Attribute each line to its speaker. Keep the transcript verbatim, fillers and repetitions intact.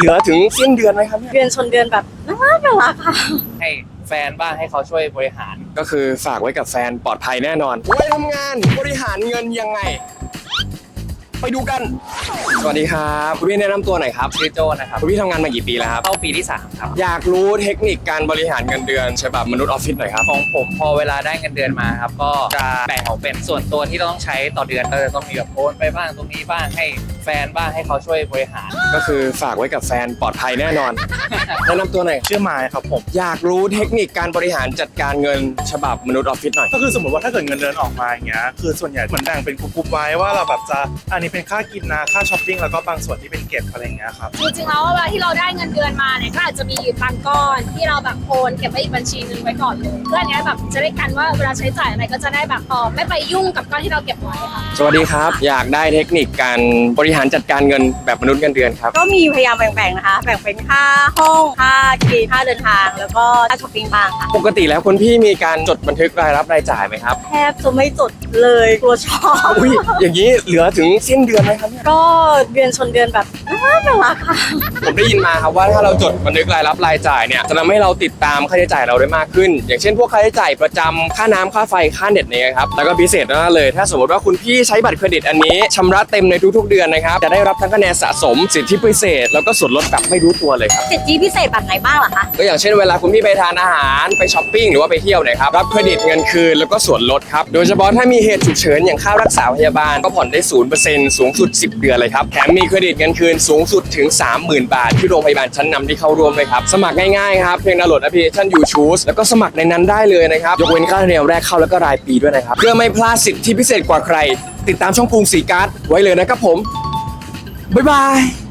Speaker 1: ลือถึงสิ้นเดือนไหมครับ
Speaker 2: เดือนชนเดือนแบบน่ารักน่ารักค่ะ
Speaker 3: ให้แฟนบ้างให้เขาช่วยบริหาร
Speaker 1: ก็คือฝากไว้กับแฟนปลอดภัยแน่นอนไว้ทำงานบริหารเงินยังไงไปดูกันสวัสดีครับคุณพี่แนะนำตัวหน่อยครับ
Speaker 3: ชื่อโจนะครับ
Speaker 1: คุณพี่ทำงานมากี่ปีแล้วครับ
Speaker 3: เข้าปีที่สามครับ
Speaker 1: อยากรู้เทคนิคการบริหารเงินเดือนฉบับมนุษย์ออฟฟิศหน่อยครับ
Speaker 3: ของผมพอเวลาได้เงินเดือนมาครับก็จะแบ่งออกเป็นส่วนตัวที่เราต้องใช้ต่อเดือนก็จะต้องมีแบบโอนไปบ้างตรงนี้บ้างให้แฟนบ้างให้เขาช่วยบริหาร
Speaker 1: ก็คือฝากไว้กับแฟนปลอดภัยแน่นอน แนะนำตัวหน่อย
Speaker 4: ชื่อไม้ครับผม
Speaker 1: อยากรู้เทคนิคการบริหารจัดการเงินฉบับมนุษย์ออฟฟิศหน่อย
Speaker 4: ก็คือสมมติว่าถ้าเกิดเงินเดือนออกมาอย่างเงี้ยคือส่วนใหญ่เหมือนแบ่งเป็นกลุ่มๆไว้ว่าเราแบบจะอันนี้เป็นค่ากินนะค่าช้อปปิ้งแล้วก็บางส่วนที่เป็นเก็บอะไรอย่างเงี้ยครับ
Speaker 5: จริงๆแล้วเวลาที่เราได้เงินเดือนมาเนี่ยก็อาจจะมีบางก้อนที่เราแบบโอนเก็บไว้อีกบัญชีนึงไว้ก่อนเลยเพื่ออันเนี้ยแบบจะได้กันว่าเวลาใช้จ่ายอะไรก็จะได้แบบเออไม่ไปยุ่งกับก้อนที่เราเก็บไว้ค่ะ
Speaker 1: สวัสดีครับอยากได้เทคนิคการบริหารจัดการเงินแบบมนุษย์เงินเดือนครับ
Speaker 2: ก็มีพยายามแบ่งๆนะคะแบ่งเป็นค่าห้องค่ากินค่าเดินทางแล้วก็ค่าช้อปปิ้งบ้างค่ะ
Speaker 1: ปกติแล้วคุณพี่มีการจดบันทึกรายรับรายจ่ายไหมครับ
Speaker 2: แทบจะไม่จดเลยกลัวชอบ
Speaker 1: อุ้ยอย่างนี้เหลือถึงสิ้นเดือนไหมครับ
Speaker 2: ก็เดือนชนเดือนแบบน่ารักน่ารักค่ะ
Speaker 1: ผมได้ยินมาครับว่าถ้าเราจดบันทึกรายรับรายจ่ายเนี่ยจะทำให้เราติดตามค่าใช้จ่ายเราได้มากขึ้นอย่างเช่นพวกค่าใช้จ่ายประจำค่าน้ำค่าไฟค่าเน็ตเนี่ยครับแล้วก็พิเศษมากเลยถ้าสมมติว่าคุณพี่ใช้บัตรเครดิตอันนี้ชำระเต็มในทุกๆเดือนนะครับจะได้รับทั้งคะแนนสะสมสิทธิพิเศษแล้วก็ส่วนลดแบบไม่รู้ตัวเลยครับ
Speaker 2: สิทธิพิเศษแบบไหนบ้างล่ะคะ
Speaker 1: ก็อย่างเช่นเวลาคุณพี่ไปทานอาหารไปช้อปปิ้งหรือว่าไปเที่ยวเนี่ยครับรับเครดิตเงินคืนแล้วก็ส่วนลดครับโดยเฉพาะถ้ามีเหตุฉุกเฉินอย่างค่ารักษาพยาบาลก็ผ่อนได้ ศูนย์เปอร์เซ็นต์ สูงสุดสิบเดือนเลยครับแถมมีเครดิตเงินคืนสูงสุดถึง สามหมื่น บาทที่โรงพยาบาลชั้นนำที่เข้าร่วมเลยครับสมัครง่ายๆครับเพียงดาวน์โหลดแอปพลิเคชัน ยู ชูส แล้วก็สมัครในนั้นได้เลยนะครับยกเว้นค่าธรรมเนียมแรกเข้าแล้วก็รายปีด้วยนะครับเพื่อไม่พลาดสิทธิพิเศษกว่าใครติดตามช่องกรุงศรีการ์ดไว้เลยนะครับผมบ๊ายบาย